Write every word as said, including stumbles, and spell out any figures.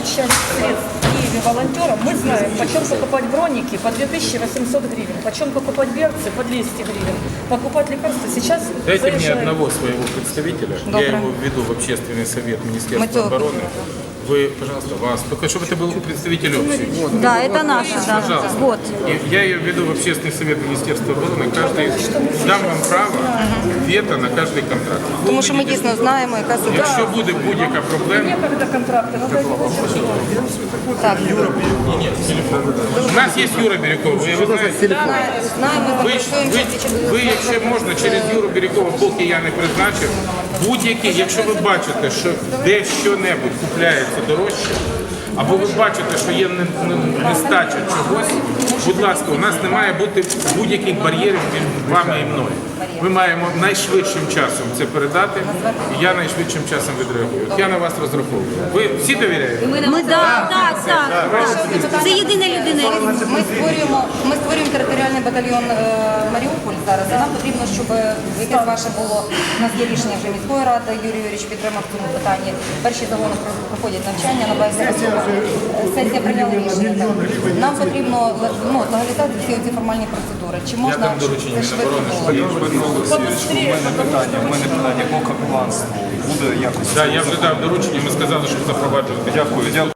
часть средств в Киеве волонтерам, мы знаем, почем покупать броники по две тысячи восемьсот гривен, почем покупать берцы по двести гривен, покупать лекарства сейчас... Дайте мне заезжает- одного своего представителя, Доброе. я его введу в общественный совет Министерства Матёк. обороны. Вы, пожалуйста, вас, только чтобы это был представитель общий. Да, это наша, да. Пожалуйста. Вот. И я ее введу в общественный совет Министерства обороны. Каждый дам вам право вето на каждый контракт. Ви Тому що ми увидите, дійсно знаємо, яка ситуація. якщо буде будь-яка проблема, Некогда контракты, надо Так, у нас є Юра Бірюков, ви, ви знаєте, знаємо, ви, запрацюємося. ви, ви, якщо можна, через Юру Бірюкова, поки я не призначив, будь-які, якщо ви бачите, що де що-небудь купляється дорожче, або ви бачите, що є не- не- нестача чогось, будь ласка, у нас не має бути будь-яких бар'єрів між вами і мною. Ми маємо найшвидшим часом це передати, і я найшвидшим часом відреагую. От я на вас розраховую. Ви всі довіряєте? Ми так, так, так. Це єдина людина. Ми створюємо, ми створюємо територіальний батальйон е, Маріуполь зараз. І нам потрібно, щоб якесь ваше було. У нас є рішення вже міської ради. Юрій Юрійович підтримав в цьому питанні. Перші загони про- проходять навчання на базі Росії. Сесія прийняла рішення. Так. Нам потрібно ну, легалізувати всі ці формальні процедури. Чи Я можна дам доручення це швидко Міноборони, було? щоб Дмитро Олексійович, у мене питання, у мене питання по капеланству. Буде якось. Да, я вже дав доручення, ми сказали, що запроваджувати. Дякую, дякую.